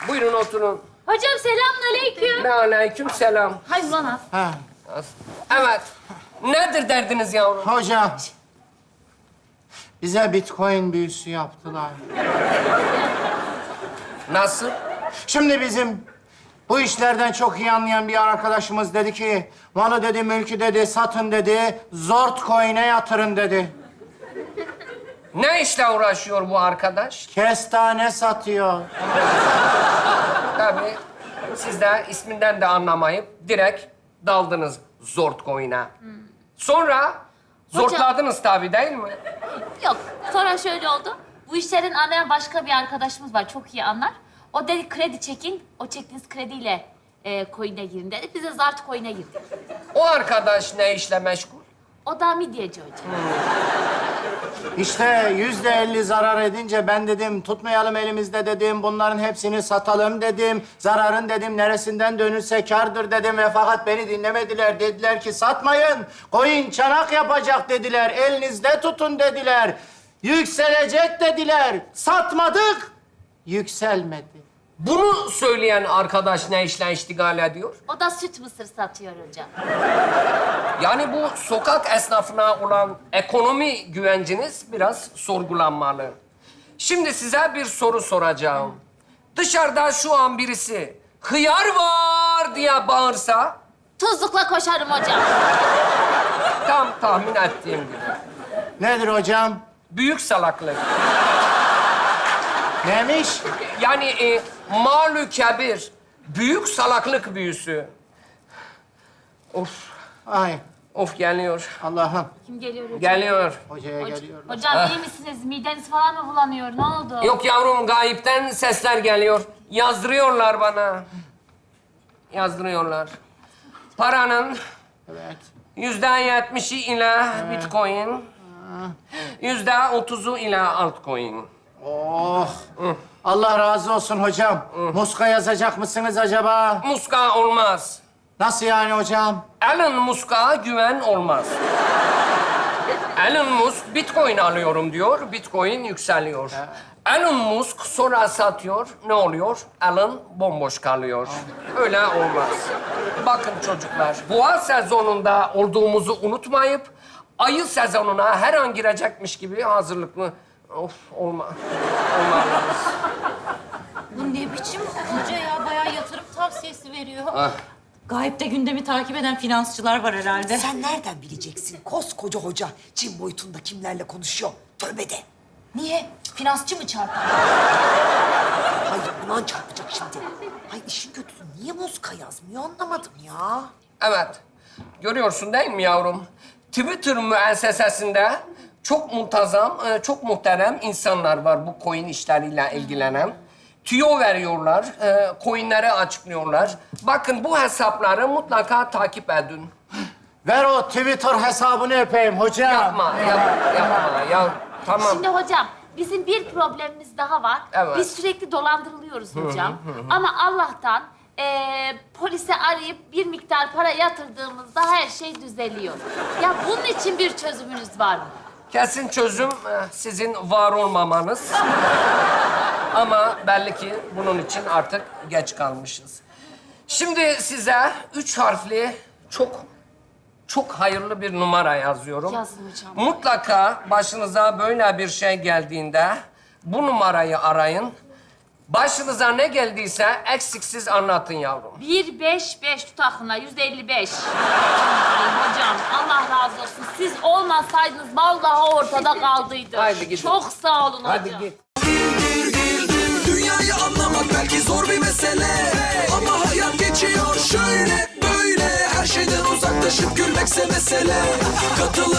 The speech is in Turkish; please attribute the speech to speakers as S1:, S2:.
S1: Buyurun oturun.
S2: Hocam selamünaleyküm.
S1: Ve aleyküm selam.
S2: Hay ulan az.
S3: Ha.
S1: Evet. Nedir derdiniz yavrum?
S3: Hocam. Bize Bitcoin büyüsü yaptılar.
S1: Nasıl?
S3: Şimdi bizim bu işlerden çok iyi anlayan bir arkadaşımız dedi ki... ...malı dedi, mülkü dedi, satın dedi, Zort coin'e yatırın dedi.
S1: Ne işle uğraşıyor bu arkadaş?
S3: Kestane satıyor.
S1: Tabii siz de isminden de anlamayıp direkt daldınız Zortcoin'e. Sonra zortladınız tabii değil mi?
S2: Yok. Sonra şöyle oldu. Bu işlerin anlayan başka bir arkadaşımız var. Çok iyi anlar. O dedi kredi çekin. O çektiğiniz krediyle coin'e girin dedi. Biz de Zart coin'e girdik.
S1: O arkadaş ne işle meşgul?
S2: O da midyeci hocam.
S3: İşte %50 zarar edince ben dedim tutmayalım elimizde dedim. Bunların hepsini satalım dedim. Zararın dedim neresinden dönülse kârdır dedim ve fakat beni dinlemediler. Dediler ki satmayın. Coin çanak yapacak dediler. Elinizde tutun dediler. Yükselecek dediler. Satmadık. Yükselmedi.
S1: Bunu söyleyen arkadaş ne işle iştigal ediyor?
S2: O da süt mısır satıyor hocam.
S1: Yani bu sokak esnafına olan ekonomi güvenciniz biraz sorgulanmalı. Şimdi size bir soru soracağım. Dışarıda şu an birisi hıyar var diye bağırsa
S2: Tuzlukla koşarım hocam.
S1: tam tahmin ettiğim gibi.
S3: Nedir hocam?
S1: Büyük salaklık.
S3: Neymiş?
S1: Yani malü kebir, büyük salaklık büyüsü. Of,
S3: Ay
S1: of geliyor.
S3: Allah'ım.
S2: Kim geliyor hocam?
S1: Geliyor.
S3: Hocaya geliyorlar.
S2: Hocam iyi misiniz? Mideniz falan mı bulanıyor? Ne oldu?
S1: Yok yavrum, gayipten sesler geliyor. Yazdırıyorlar bana. Yazdırıyorlar. Paranın
S3: Evet.
S1: %70'i ile Bitcoin, %30'u ile altcoin.
S3: Oh. Allah razı olsun hocam. Muska yazacak mısınız acaba?
S1: Muska olmaz.
S3: Nasıl yani hocam?
S1: Elon Musk'a güven olmaz. Elon Musk Bitcoin alıyorum diyor, Bitcoin yükseliyor. Elon Musk sonra satıyor, ne oluyor? Elon bomboş kalıyor. Öyle olmaz. Bakın çocuklar, boğa sezonunda olduğumuzu unutmayıp ayı sezonuna her an girecekmiş gibi hazırlıklı. Of, olmaz.
S4: Bu ne biçim hoca ya? Bayağı yatırım tavsiyesi veriyor.
S1: Ah.
S4: Gayipte gündemi takip eden finansçılar var herhalde.
S5: Sen nereden bileceksin? Koskoca hoca Çin boyutunda kimlerle konuşuyor? Tövbe de.
S4: Niye? Finansçı mı çarpar?
S5: Hayır, ulan çarpacak şimdi. Ay işin kötüsü niye Moska yazmıyor anlamadım ya.
S1: Evet. Görüyorsun değil mi yavrum? Twitter müessesesinde çok muntazam, çok muhterem insanlar var bu coin işleriyle ilgilenen. Tüyo veriyorlar, coinleri açıklıyorlar. Bakın bu hesapları mutlaka takip edin.
S3: Ver o Twitter hesabını öpeyim hocam.
S1: Yapma ya. Tamam.
S2: Şimdi hocam bizim bir problemimiz daha var.
S1: Evet.
S2: Biz sürekli dolandırılıyoruz hocam. Ama Allah'tan polise arayıp bir miktar para yatırdığımızda her şey düzeliyor. Ya bunun için bir çözümünüz var mı?
S1: Kesin çözüm sizin var olmamanız. Ama belli ki bunun için artık geç kalmışız. Şimdi size 3 harfli çok hayırlı bir numara yazıyorum.
S2: Yazın hocam.
S1: Mutlaka başınıza böyle bir şey geldiğinde bu numarayı arayın. Başınıza ne geldiyse eksiksiz anlatın yavrum.
S2: 155 tut aklına 155. Ay hocam Allah razı olsun. Siz olmasaydınız vallahi ortada kaldıydı.
S1: Haydi gidin.
S2: Çok sağ olun hocam.
S1: Hadi git.
S6: Dünyayı anlamak belki zor bir mesele, ama hayat geçiyor şöyle böyle. Her şeyden uzaklaşıp gülmekse mesele. Katıl